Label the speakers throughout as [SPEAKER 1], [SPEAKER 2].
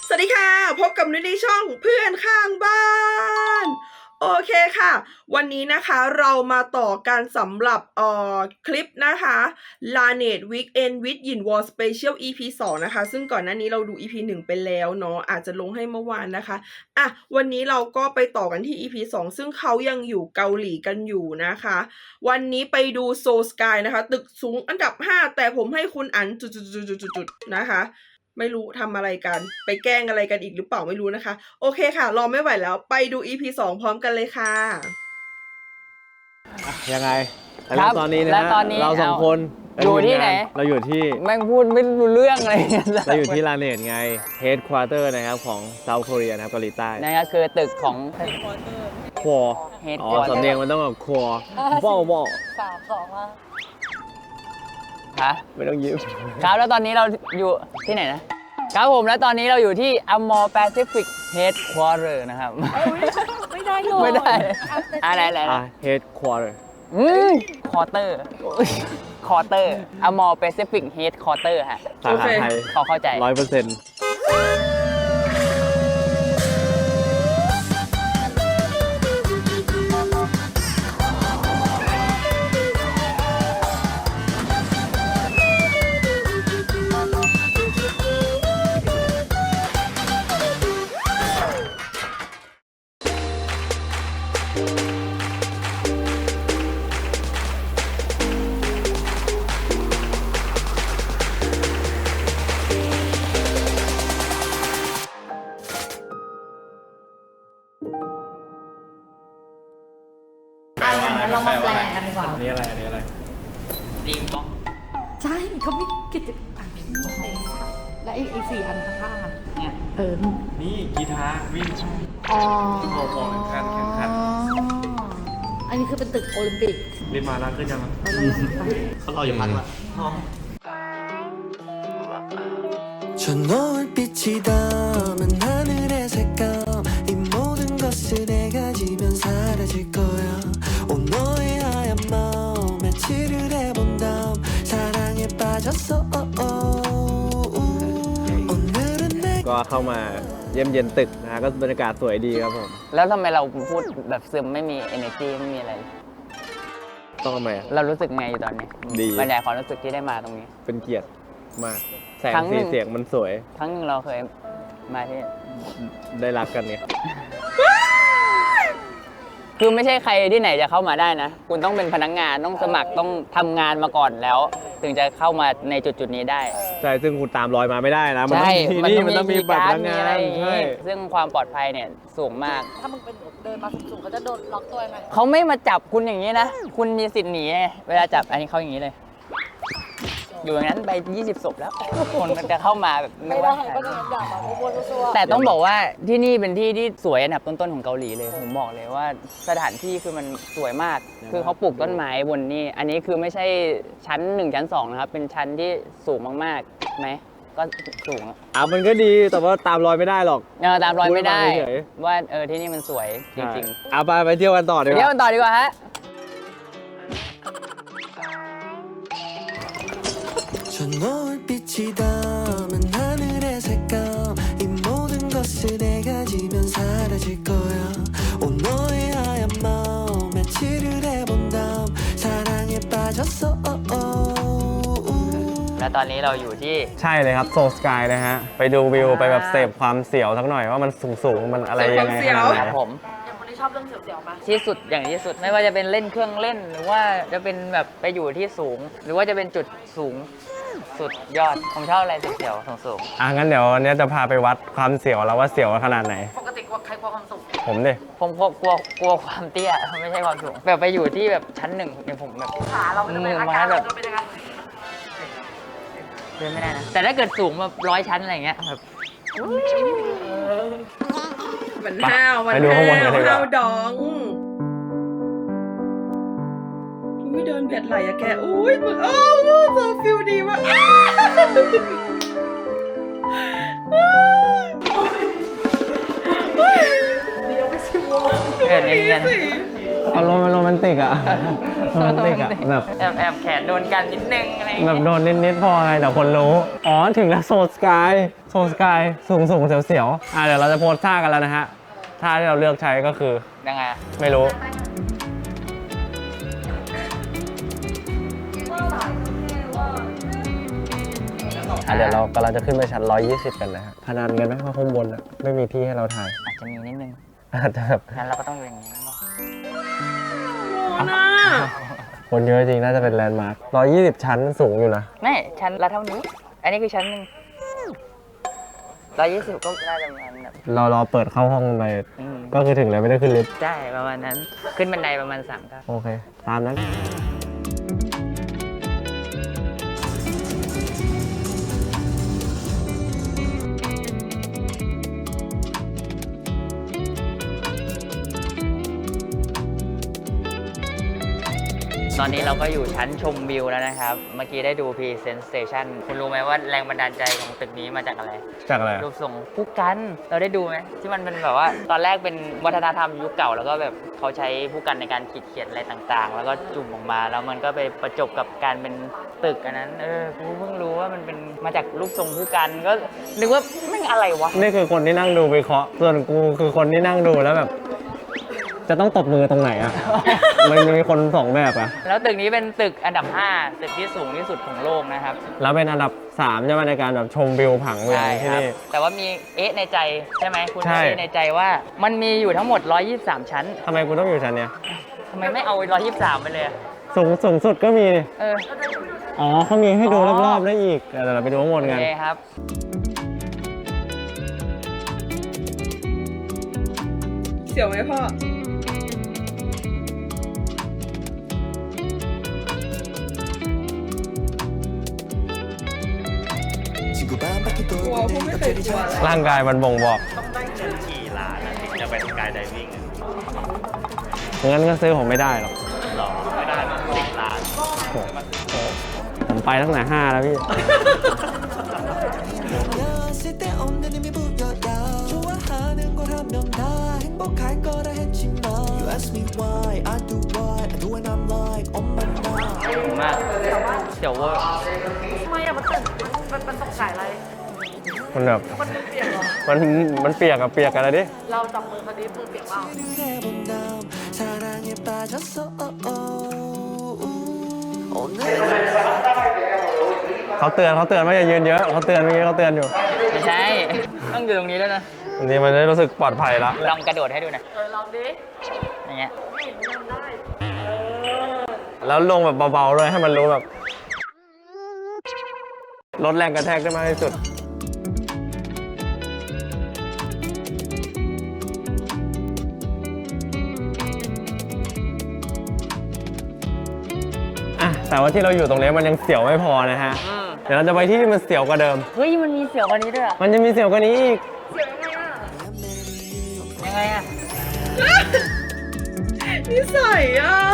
[SPEAKER 1] สวัสดีค่ะพบกับนุ้ยในช่องเพื่อนข้างบ้านโอเคค่ะวันนี้นะคะเรามาต่อกันสำหรับคลิปนะคะ Laneige Weekend with Yin Wall Special EP 2นะคะซึ่งก่อนหน้านี้เราดู EP 1ไปแล้วเนาะอาจจะลงให้เมื่อวานนะคะวันนี้เราก็ไปต่อกันที่ EP 2ซึ่งเขายังอยู่เกาหลีกันอยู่นะคะวันนี้ไปดู Seoul Sky นะคะตึกสูงอันดับ5แต่ผมให้คุณอันจุดๆๆๆนะคะไม่รู้ทำอะไรกันไปแกล้งอะไรกันอีกหรือเปล่าไม่รู้นะคะโอเคค่ะรอไม่ไหวแล้วไปดู EP 2พร้อมกันเลยค่ะ
[SPEAKER 2] ยังไง
[SPEAKER 3] ครับ
[SPEAKER 2] ตอนนี้นะ
[SPEAKER 3] และตอนนี้
[SPEAKER 2] เราสองคน
[SPEAKER 3] อยู่ที่ไหน
[SPEAKER 2] เราอยู่ที่
[SPEAKER 3] แม่งพูดไม่รู้เรื่องอะไรเนี่ย
[SPEAKER 2] เราอยู่ที่ลาเนตไง Headquarter นะครับของ South Korea นะครับเกาหลีใต้
[SPEAKER 3] นะครับคือตึกของ
[SPEAKER 2] ครัว
[SPEAKER 3] Headquarter
[SPEAKER 2] สำเนียงมันต้องแบบครัวบ่
[SPEAKER 3] ฮะ
[SPEAKER 2] ไม่ต้องยิ้ม
[SPEAKER 3] ครับแล้วตอนนี้เราอยู่ที่ไหนนะครับผมแล้วตอนนี้เราอยู่ที่ Amor Pacific Headquarter นะครับไม่ได้เลยไม่ได้อะไร
[SPEAKER 2] Headquarter
[SPEAKER 3] Quarter Quarter Amor Pacific Headquarter ฮะ
[SPEAKER 2] สาขาไทย
[SPEAKER 3] เขาเข้าใจ
[SPEAKER 2] 100%
[SPEAKER 4] งั้นเรามาแปลกันดีกว่า
[SPEAKER 2] อันนี้อะไร
[SPEAKER 3] ลิงบ้อง
[SPEAKER 4] ใช่เขาไม่กิจกรรมและอีก4 อันข้างๆอะ
[SPEAKER 3] เนี่ย
[SPEAKER 2] นี่กีตาร์วิ่ง
[SPEAKER 4] อ๋อ
[SPEAKER 2] โอ้โหแข่งขัน
[SPEAKER 4] อันนี้คือเป็นตึกโอลิมปิก
[SPEAKER 2] รีบมาแล้วขึ้นยัง เขารออยู่พักละ
[SPEAKER 5] 저 노을빛이 닮은 하늘의 색감 이 모든 것을 내가 지면 사라질 거야 온 너의 하얀 마음에 칠을 해본 다음 사랑에 빠졌어 오늘은 내
[SPEAKER 2] ก็เข้ามาเยี่ยมเยียนตึกนะฮะก็บรรยากาศสวยดีครับผม
[SPEAKER 3] แล้วทำไมเราพูดแบบซึมไม่มี energy ไม่มีอะไร
[SPEAKER 2] ต้องทำไมอะ
[SPEAKER 3] เรารู้สึกไงอยู่ตอนนี้
[SPEAKER 2] ดี
[SPEAKER 3] บรรยายความรู้สึกที่ได้มาตรงนี้
[SPEAKER 2] เป็นเกียรติมากแสง
[SPEAKER 3] ครั้งหนึ่
[SPEAKER 2] สี
[SPEAKER 3] ง
[SPEAKER 2] เสียงมันสวย
[SPEAKER 3] ครั้งหนึงเราเคยมาที่
[SPEAKER 2] ได้รักกันไง
[SPEAKER 3] คือไม่ใช่ใครที่ไหนจะเข้ามาได้นะ คุณต้องเป็นพนักงานต้องสมัครต้องทำงานมาก่อนแล้ว ถึงจะเข้ามาในจุดนี้ได้
[SPEAKER 2] ใช่ซึ่งคุณตามรอยมาไม่ได้นะ มันต้องมี
[SPEAKER 3] มัน
[SPEAKER 2] นี่
[SPEAKER 3] ต้อง
[SPEAKER 2] มันต้องมี
[SPEAKER 3] มี
[SPEAKER 2] บัตร
[SPEAKER 3] การ์ด
[SPEAKER 2] พนัก
[SPEAKER 3] มี
[SPEAKER 2] งา
[SPEAKER 3] อะไร
[SPEAKER 2] น
[SPEAKER 3] อย่าง
[SPEAKER 2] ใช่
[SPEAKER 3] งี้ซึ่งความปลอดภัยเนี่ยสูงมาก
[SPEAKER 4] ถ้ามึงเป็นเดินมาสูงๆเขาจะโดนล็อกตัวไหม
[SPEAKER 3] เขาไม่มาจับคุณอย่างนี้นะ คุณมีสิทธิ์หนีไงเวลาจับอันนี้เขาอย่างนี้เลย อยู่อย่างนั้นไป 20 ศพแล้ว คนมันจะเข้ามาแบบ
[SPEAKER 4] ไม่ได้
[SPEAKER 3] ว่า
[SPEAKER 4] ก็จะด่ามาโว้ซัว
[SPEAKER 3] แต่ต้องบอกว่าที่นี่เป็นที่ที่สวยอันดับต้นๆของเกาหลีเลย ผมบอกเลยว่าสถานที่คือมันสวยมาก คือเขาปลูกต้นไม้บนนี่ อันนี้คือไม่ใช่ชั้น 1 ชั้น 2 นะครับ เป็นชั้นที่สูงมากๆไหมก็สูง
[SPEAKER 2] มันก็ดีแต่ว่าตามรอยไม่ได้หรอก
[SPEAKER 3] ตามรอยไม่ได้
[SPEAKER 2] พูดมาเฉย
[SPEAKER 3] ว่าที่นี่มันสวยจริง
[SPEAKER 2] เอาไปเที่ยวกันต่อ
[SPEAKER 3] ๆ
[SPEAKER 2] ดีก
[SPEAKER 3] เดี๋ยว
[SPEAKER 2] ว่า
[SPEAKER 3] กันต่อดีกว่าฮะ
[SPEAKER 5] 저 노을빛이 담은 하늘의 색감 이 모든 것을 내가 지면 사라질 거야 온 너의 하얀 마음에 칠을 해본 다음 사랑에 빠졌어
[SPEAKER 3] และตอนนี้เราอยู่ที่
[SPEAKER 2] ใช่เลยครับโซสกายนะฮะ ไปดูวิวไปแบบเสพความเสียวสักหน่อยว่ามันสูงมันอะไรยังไงขนาดไห
[SPEAKER 3] คน รับผม
[SPEAKER 4] อย่างคนที่ชอบเรื่องเสียวๆมา
[SPEAKER 3] ที่สุดอย่างที่สุดไม่ว่าจะเป็นเล่นเครื่องเล่น หรือว่าจะเป็นแบบไปอยู่ที่สูง หรือว่าจะเป็นจุดสูงสุดยอดผมชอบอะไรเสียวๆสูง
[SPEAKER 2] งั้นเดี๋ยววันนี้จะพาไปวัดความเสียวแล้วว่าเสียวขนาดไหน
[SPEAKER 4] ปกติใครกลัวความสูง
[SPEAKER 2] ผมดิ
[SPEAKER 3] ๆผมกลัวความเตี้ยไม่ใช่ความสูงแบบไปอยู่ที่แบบชั้น 1อย่างผมแบบ
[SPEAKER 4] ขาเราจะเป็นอาการเราจะเป็นยังไง
[SPEAKER 3] เดินไม่ได้นะแต่ถ้าเกิดสูงแบบ100 ชั้นอะไรอย่างเงี้ยแบบ
[SPEAKER 1] มันห้าวมัน
[SPEAKER 2] ไปดูข้างบนกันดีกว่า
[SPEAKER 1] ห้าวดองอุ้ยเดินเบียดไหลอะแกอุ้ยมึงโซฟิลดีมาก
[SPEAKER 3] เดินเนียน
[SPEAKER 2] อารมณ์มันโรแมนติกอะโรแมนติกอะแบบ
[SPEAKER 3] แอบแขนโดนกันนิดนึงอะไรอย่าง
[SPEAKER 2] แบ
[SPEAKER 3] เงี้
[SPEAKER 2] บ
[SPEAKER 3] ย
[SPEAKER 2] โดนนิดๆพอไงแต่คนรู้ ถึงแล้วโซสกาย โซสกายสูงเสียวๆเดี๋ยวเราจะโพสท่ากันแล้วนะฮะท่าที่เราเลือกใช้ก็คือ
[SPEAKER 3] ยังไงอะ
[SPEAKER 2] ไม่รู้เดี๋ยวเรากำลังจะขึ้นไปชั้น 120 กันนะฮะพนันกันไหมว่าข้างบนไม่มีที่ให้เราถ่าย
[SPEAKER 3] อาจจะมีนิดนึง
[SPEAKER 2] อาจจะแบบ
[SPEAKER 3] งั้นเราก็ต้องอยู่อย่างนี้
[SPEAKER 1] โอ้น่า
[SPEAKER 2] คนเยอะจริงน่าจะเป็นแลนด์มาร์ค120 ชั้นสูงอยู่นะ
[SPEAKER 3] ไม่ชั้นละเท่านี้ อันนี้คือชั้นหนึ่ง120ก็น่าจะประมาณแบบ
[SPEAKER 2] เรารอเปิดเข้าห้องไป
[SPEAKER 3] อืม
[SPEAKER 2] ก็คือถึงแล้วไม่ได้ขึ้นลิฟต์
[SPEAKER 3] ใช่ประมาณนั้น ขึ้นบันไดประมาณ3 ก้าว
[SPEAKER 2] โอเค ตามนั้น
[SPEAKER 3] ตอนนี้เราก็อยู่ชั้นชมวิวแล้วนะครับ เมื่อกี้ได้ดู Presentation คุณรู้ไหมว่าแรงบันดาลใจของตึกนี้มาจากอะไร
[SPEAKER 2] จากอะไร
[SPEAKER 3] รูปทรงผู้กัน เราได้ดูไหมที่มันเป็นแบบว่า ตอนแรกเป็นวัฒนธรรมยุคเก่า แล้วก็แบบเขาใช้ผู้กันในการขีดเขียนอะไรต่างๆ แล้วก็จุ่มออกมา แล้วมันก็ไปประจบกับการเป็นตึกอันนั้นกูเพิ่งรู้ว่ามันเป็นมาจากรูปทรงผู้กัน ก็นึกว่าไม่งอะไรวะ
[SPEAKER 2] นี่คือคนที่นั่งดูวิเคราะห์ส่วนกูคือคนที่นั่งดูแล้วแบบ จะต้องตบมือตรงไหนอ่ะ มันมีคนสองแบบอ่ะ
[SPEAKER 3] แล้วตึกนี้เป็นตึกอันดับ 5 ตึกที่สูงที่สุดของโลกนะครับ
[SPEAKER 2] แล้วเป็นอันดับ 3ใช่ไหมในการแบบชมวิวผังเมือง
[SPEAKER 3] ใช่
[SPEAKER 2] ที่
[SPEAKER 3] ครับ
[SPEAKER 2] นี่
[SPEAKER 3] แต่ว่ามีในใจใช่ไหมคุณ
[SPEAKER 2] ใช่
[SPEAKER 3] ในใจว่ามันมีอยู่ทั้งหมด 123 ชั้น
[SPEAKER 2] ทำไมกูต้องอยู่ชั้นเนี้ย
[SPEAKER 3] ทำไมไม่เอา 123 ไปเลยอะ
[SPEAKER 2] สูงสุดก็มี
[SPEAKER 3] เออ
[SPEAKER 2] อ๋อเขามีให้ดู
[SPEAKER 3] อ๋อ
[SPEAKER 2] รอบๆได้อีกเดี๋ยวเราไปดูข้างบน
[SPEAKER 3] โอ
[SPEAKER 2] กัน
[SPEAKER 3] เคครับ
[SPEAKER 1] เสียวไหมพ่อ
[SPEAKER 5] 지구 반바퀴
[SPEAKER 1] กลัว
[SPEAKER 5] 돌고
[SPEAKER 1] พวกไม่เคยกลัวเลย
[SPEAKER 2] ร่างกายมันบ่งบอก
[SPEAKER 6] กี่ล้านอะถึงจะเป็นสกายไดวิ่ง
[SPEAKER 2] งั้นก็ซื้อผมไม่ได้หรอก
[SPEAKER 6] หรอไม่ได้นะ10 ล้าน
[SPEAKER 2] ผมไปตั้งแต่5แล้วพี่
[SPEAKER 5] 였을 때 없는 의미 부여야 좋아하는 걸 하면 다 행복할 거라 했지만 You ask me why I do what I do and I'm like on my mind
[SPEAKER 3] ถูกมากเดี๋ยวเวอร์
[SPEAKER 4] ทำไมอะมันตึกมันตกใจอะไร
[SPEAKER 2] มันแบบ
[SPEAKER 4] มันเปียกเหรอ
[SPEAKER 2] มันเปียกกันแล้วดิ
[SPEAKER 4] เราจับมือคนนี้มือเปียกเปล่า
[SPEAKER 5] 해본 다음 사랑에 빠졌어 오늘
[SPEAKER 2] เขาเตือนว่าอย่ายืนเยอะเขาเตือนเมื่อกี้เขาเตือนอยู่
[SPEAKER 3] ไม่ใช่ ต้องอยู่ตรงนี้ด้วยนะ
[SPEAKER 2] อันนี้มันได้รู้สึกปลอดภัยละ
[SPEAKER 3] ลองกระโดดให้ดูหน่อย
[SPEAKER 4] ลองดิ
[SPEAKER 3] อย่างเงี้ย
[SPEAKER 4] ไม่เห็นทำได้
[SPEAKER 2] แล้วลงแบบเบาๆด้วยให้มันรู้แบบลดแรงกระแทกได้มากที่สุดแต่ว่าที่เราอยู่ตรงนี้มันยังเสียวไม่พอนะฮะ เดี๋ยวเราจะไปที่ที่มันเสียวกว่าเดิม
[SPEAKER 3] เฮ้ย มันมีเสียวกว่านี้ด้วยอะ
[SPEAKER 2] มันจะมีเสียวกว่านี้อีก
[SPEAKER 3] ยังไงอะ
[SPEAKER 1] นิสัยอ่ะ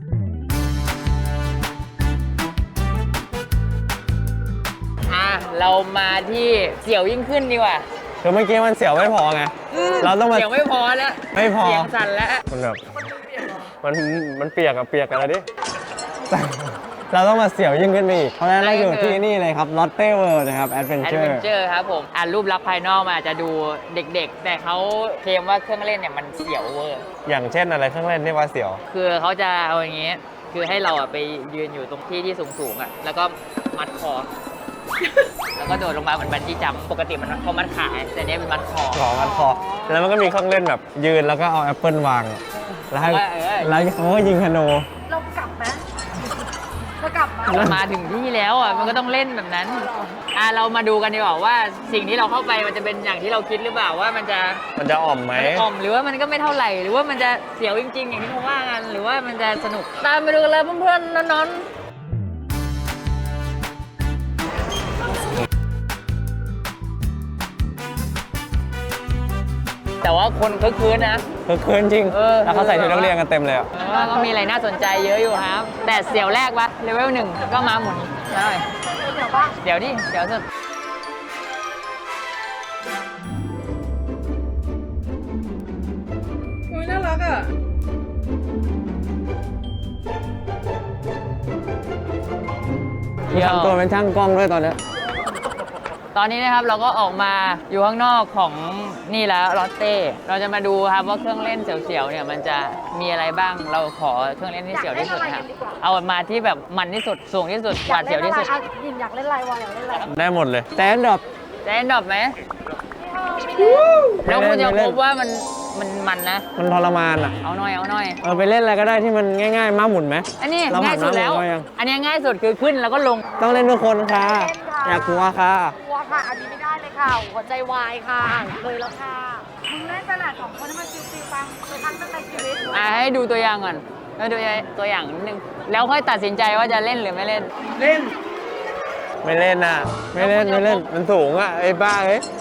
[SPEAKER 3] เรามาที่เสียวยิ่งขึ้นดีกว่า
[SPEAKER 2] คือเมื่อกี้มันเสียวไม่พอไง เราต้องมา
[SPEAKER 3] เสียวไม่พอแล้ว
[SPEAKER 2] ไม่พอ
[SPEAKER 3] เสียงสั่นแล้ว
[SPEAKER 2] มันแบบมันเปียกกันแล้วดิ เราต้องมาเสียวยิ่งขึ้นไปอีก เพราะฉะนั้นเราอยู่ที่นี่เลยครับ Lotte World นะครับ
[SPEAKER 3] แอด
[SPEAKER 2] Adventure
[SPEAKER 3] เวนเจอร์ครับผมรูปลักษณ์ภายนอกมาอาจจะดูเด็กๆ แต่เขาเคลมว่าเครื่องเล่นเนี่ยมันเสียวเวอร์
[SPEAKER 2] อย่างเช่นอะไรเครื่องเล่นที่ว่าเสียว
[SPEAKER 3] คือเขาจะเอาอย่างงี้ คือให้เราอะไปยืนอยู่ตรงที่ที่สูงๆอะแล้วก็มัดคอ แล้วก็โดดลงมาเหมือนบันจี้จัมป์ปกติมันเขามัดขาแต่เนี้ยเป็นมัดคอ
[SPEAKER 2] ของอันคอ แล้วมันก็มีเครื่องเล่นแบบยืนแล้วก็เอาแอปเปิลวาง แล้วให้ แล้วเขาก็ยิงธนู
[SPEAKER 4] เรากลับไหมเรากลับไหม
[SPEAKER 3] มาถึงที่แล้วอ่ะมันก็ต้องเล่นแบบนั้นเรามาดูกันดีกว่าว่าสิ่งที่เราเข้าไปมันจะเป็นอย่างที่เราคิดหรือเปล่าว่ามันจะ
[SPEAKER 2] อ่อมไหม
[SPEAKER 3] อ่อมหรือว่ามันก็ไม่เท่าไหร่ หรือว่ามันจะเสียวจริงๆ อย่างที่เขาว่ากันหรือว่ามันจะสนุกตามไปดูกันเลยเพื่อนๆน้องๆแต่ว่าคนคึกคืนนะ
[SPEAKER 2] คือคืนจริง
[SPEAKER 3] เออ
[SPEAKER 2] แล้วเขาใส่ชุดนักเรียนกันเต็มเลยอ่ะ
[SPEAKER 3] ว่าก็มีอะไรน่าสนใจเยอะอยู่ครับ แต่เสียวแรกวะเลเวล1ก็มาหมุนได้เดี๋ยวดิเดี๋ยวสุด
[SPEAKER 1] โอ้ยน่ารักอ่ะ
[SPEAKER 2] ทำตัวเป็นช่างกล้องด้วยตอนเนี้ย
[SPEAKER 3] ตอนนี้นะครับเราก็ออกมาอยู่ข้างนอกของนี่แล้วลอตเต้เราจะมาดูครับว่าเครื่องเล่นเสียวๆเนี่ยมันจะมีอะไรบ้างเราขอเครื่องเล่นที่เสียวที่สุดนะครับเอามาที่แบบมันที่สุดสูงที่สุดหวาดเสียวที่สุด
[SPEAKER 4] ยินอยากเล่นลายวอลอยากเล่นอะไร
[SPEAKER 2] ได้หมดเลยแต่อันดับ
[SPEAKER 3] จะเล่นดอบไหมแล้วคุณจะพบว่ามันนะ
[SPEAKER 2] มันทรมานอ่ะ
[SPEAKER 3] เอาหน่อยเอาหน่อย
[SPEAKER 2] ไปเล่นอะไรก็ได้ที่มันง่ายๆม้าหมุนไหม
[SPEAKER 3] อันนี้
[SPEAKER 2] เรา
[SPEAKER 3] ง่ายสุดแล้ว
[SPEAKER 2] ผ่านมาหมดแล้วยัง
[SPEAKER 3] อันนี้ง่ายสุดคือขึ้นแล้วก็ลง
[SPEAKER 2] ต้องเล่นทุกคนค่ะอย่ากลัวค่ะ
[SPEAKER 4] กลัวค่ะ อันนี้ไม่ได้เลยค่ะ หัวใจวายค่ะเลยแล้วค่ะ มึงเล่นตลาด2 คนให้มันชิวๆปังเคยทำตั้งแต่ชีวิต
[SPEAKER 3] ให้ดูตัวอย่างก่อนให้ดูตัวอย่างนิดนึงแล้วค่อยตัดสินใจว่าจะเล่นหรือไม่เล่น
[SPEAKER 1] เล่น
[SPEAKER 2] ไม่เล่นน่ะ ไม่เล่นไม่เล่นมันสูงอ่ะไอ้บ้าเอ้ย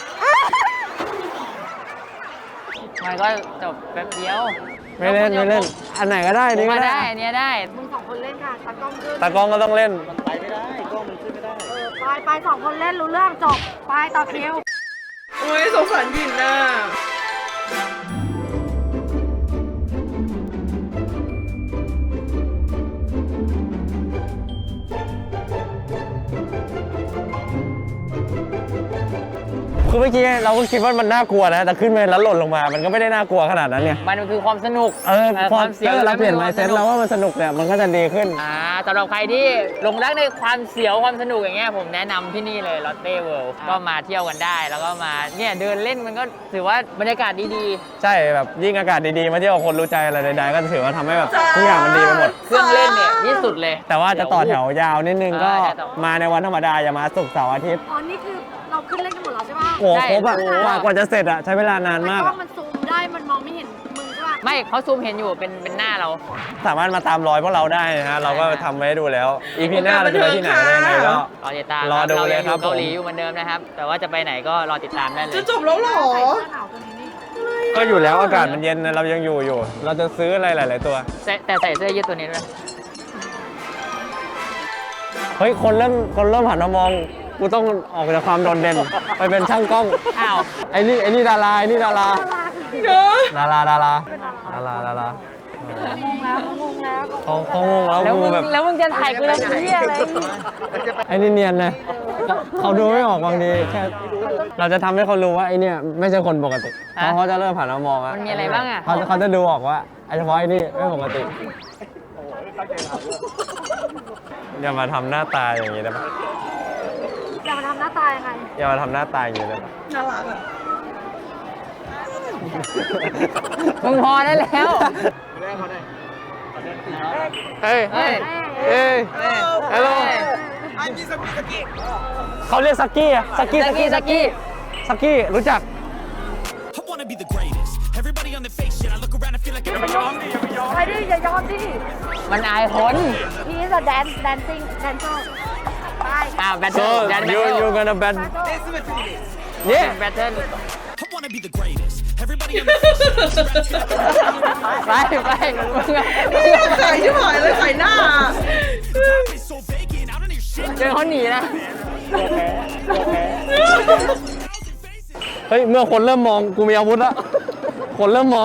[SPEAKER 3] มันก็จบแป๊บเดียว
[SPEAKER 2] ไม่เล่นไม่เล่น อันไหนก็ได้
[SPEAKER 3] ผม
[SPEAKER 2] นี่ก็
[SPEAKER 3] ว่า
[SPEAKER 2] ได้
[SPEAKER 3] ได้อันเนี้ยได้
[SPEAKER 4] มึง2 คนเล่นค่ะตากล้องขึ้น
[SPEAKER 2] ตากล้องก็ต้องเล่น
[SPEAKER 4] ไป2 คนเล่นรู้เรื่องจบ ไปต่อคิว
[SPEAKER 1] โอ้ยสงสารยินน่ะ
[SPEAKER 2] คือเมื่อกี้เราก็คิดว่ามันน่ากลัวนะ แต่ขึ้นไปแล้วหล่นลงมา มันก็ไม่ได้น่ากลัวขนาดนั้นเนี่ย
[SPEAKER 3] มันคือความสนุก
[SPEAKER 2] ความ
[SPEAKER 3] เสียว
[SPEAKER 2] เราเปลี่ยน mindset แล้วว่ามันสนุกเนี่ยมันก็จะดีขึ้น
[SPEAKER 3] สำหรับใครที่หลงรักในความเสียวความสนุกอย่างเงี้ยผมแนะนำที่นี่เลยลอตเต้เวิลด์ก็มาเที่ยวกันได้ แล้วก็มาเนี่ยเดินเล่นมันก็ถือว่าบรรยากาศดี
[SPEAKER 2] ใช่แบบยิ่งอากาศดีๆมาเที่ยวกับคนรู้ใจอะไรใดๆก็ถือว่าทำให้แบบทุกอย่างมันดีไปหมด
[SPEAKER 3] ๆ เครื่องเล่นเนี่ยที่สุดเลย
[SPEAKER 2] แต่ว่าจะต่อแถวยาวนิดนึงก็
[SPEAKER 3] จะต่อ
[SPEAKER 2] มาในวันธรรมดาอย่ามาศุกร์เสาร์อาทิตย์
[SPEAKER 4] อ๋อ นี่คือเราขึ้นเล่นกันหมดแล้วใช่ปะ
[SPEAKER 2] โอ้โห
[SPEAKER 3] ใช่
[SPEAKER 2] ครบอ่ะกว่าจะเสร็จอ่ะใช้เวลานานมาก
[SPEAKER 4] กล้อ
[SPEAKER 2] อะ
[SPEAKER 4] งมันซูมได้ มันมองไม่เห็นมึงใช่ปะ
[SPEAKER 3] ไม่เขาซูมเห็นอยู่เป็นหน้าเรา
[SPEAKER 2] สามารถมาตามรอยพวกเราได้นะฮะเราก็ทำไว้ให้ดูแล้ว EP หน้าเราจะไปที่ไหนอะไรยังไงก็
[SPEAKER 3] รอติดตาม
[SPEAKER 2] รอดูเลยครับ
[SPEAKER 3] เกาหลีอยู่เหมือนเดิมนะครับ แต่ว่าจะไปไหนก็รอติดตามได้เลย
[SPEAKER 1] จะจบแล้วเหรอ
[SPEAKER 4] ใส่เสื้อหนาวตัวนี้นี่
[SPEAKER 2] ก็อยู่แล้วอากาศมันเย็นนะเรายังอยู่ เราจะซื้ออะไรหลาย ๆ ตัว
[SPEAKER 3] แต่ใส่เสื้อยืดตัวนี้ด้วย
[SPEAKER 2] เฮ้ยคนเริ่มหันมามองกูต้องออกจากความโดดเด่นไปเป็นช่างกล้อง
[SPEAKER 3] อ้าว
[SPEAKER 2] ไอ้นี่ดาราไอ้นี่ดารา
[SPEAKER 1] เนอะ
[SPEAKER 2] ดารา
[SPEAKER 4] งงแล้ว
[SPEAKER 2] เขางงแล้ว
[SPEAKER 3] แล้ว
[SPEAKER 2] กู
[SPEAKER 3] มึง
[SPEAKER 2] แบบ
[SPEAKER 3] แล้วมึงจะถ่ายกูแล้วเหี้ยอะไร
[SPEAKER 2] ไอ้นี่เนียนเลยเขาดูไม่ออกบางทีแค่เราจะทำให้เขารู้ว่าไอ้เนี่ยไม่ใช่คนปกติเพราะเขาจะเริ่มหันมามองอะ
[SPEAKER 3] มันมีอะไรบ้างอะ
[SPEAKER 2] เขาจะดูออกว่าไอ้เฉพาะไอ้นี่ไม่ปกติอย่ามาทำหน้าตาอย่างนี้ได้ปะ
[SPEAKER 4] อย่ามาทำหน้าตายังไง
[SPEAKER 2] อย่ามาทำหน้าตาอย่างนี้ได้ปะ
[SPEAKER 1] น่ารักอ่ะ
[SPEAKER 3] มึงพอได้แล้ว
[SPEAKER 2] เฮ้ย
[SPEAKER 3] เฮ้ย
[SPEAKER 2] ฮัลโหลเขาเรียกซักกี้อะซักกี้ ซักกี้รู้จัก
[SPEAKER 5] I wanna be the greatest. Everybody on the fake shit. I look around and feel like everybody.
[SPEAKER 4] ไปดิอย่ายอมดิ
[SPEAKER 3] มันอายคน
[SPEAKER 4] He is a dancing dancer ไป
[SPEAKER 3] แบทเทิ
[SPEAKER 2] so
[SPEAKER 3] ลแบทเทิ
[SPEAKER 2] you
[SPEAKER 3] ล
[SPEAKER 2] gonna bet yeah
[SPEAKER 3] แบทเทิล
[SPEAKER 5] I wanna be the greatest. Everybody on the fake shit.
[SPEAKER 3] ไปมึงอะ
[SPEAKER 1] ขายที่หายเลยขายหน้า
[SPEAKER 5] Time is so vacant. I don't hear shit.
[SPEAKER 3] เจอเขาหนีนะ
[SPEAKER 2] เฮ้ยเมื่อคนเริ่มมองกูมีอาวุธละคนเริ่มมอง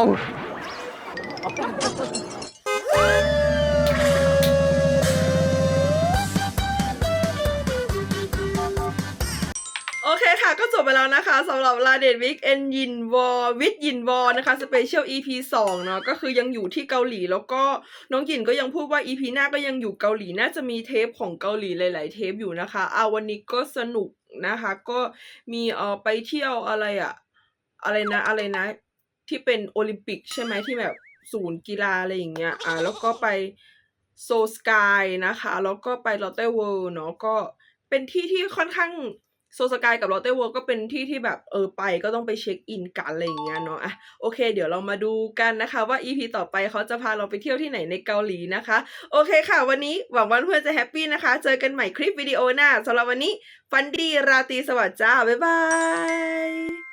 [SPEAKER 1] โอเคค่ะ ก็จบไปแล้วนะคะสำหรับลาเดดวิกเอนยินวอวิดยินวอนะคะสเปเชียล EP 2เนาะก็คือยังอยู่ที่เกาหลีแล้วก็น้องยินก็ยังพูดว่า EP หน้าก็ยังอยู่เกาหลีน่าจะมีเทปของเกาหลีหลายๆเทปอยู่นะคะวันนี้ก็สนุกนะคะก็มีไปเที่ยวอะไรนะที่เป็นโอลิมปิกใช่ไหมที่แบบศูนย์กีฬาอะไรอย่างเงี้ยแล้วก็ไปโซสกายนะคะแล้วก็ไปลอตเต้เวิลด์เนาะก็เป็นที่ที่ค่อนข้างโซสกายกับลอตเต้เวิลด์ก็เป็นที่ที่แบบไปก็ต้องไปเช็คอินกันอะไรอย่างเงี้ยเนาะโอเคเดี๋ยวเรามาดูกันนะคะว่า EP ต่อไปเขาจะพาเราไปเที่ยวที่ไหนในเกาหลีนะคะโอเคค่ะวันนี้หวังว่าเพื่อนจะแฮปปี้นะคะเจอกันใหม่คลิปวิดีโอหน้าสำหรับวันนี้ฝันดีราตรีสวัสดิ์จ้าบ๊ายบาย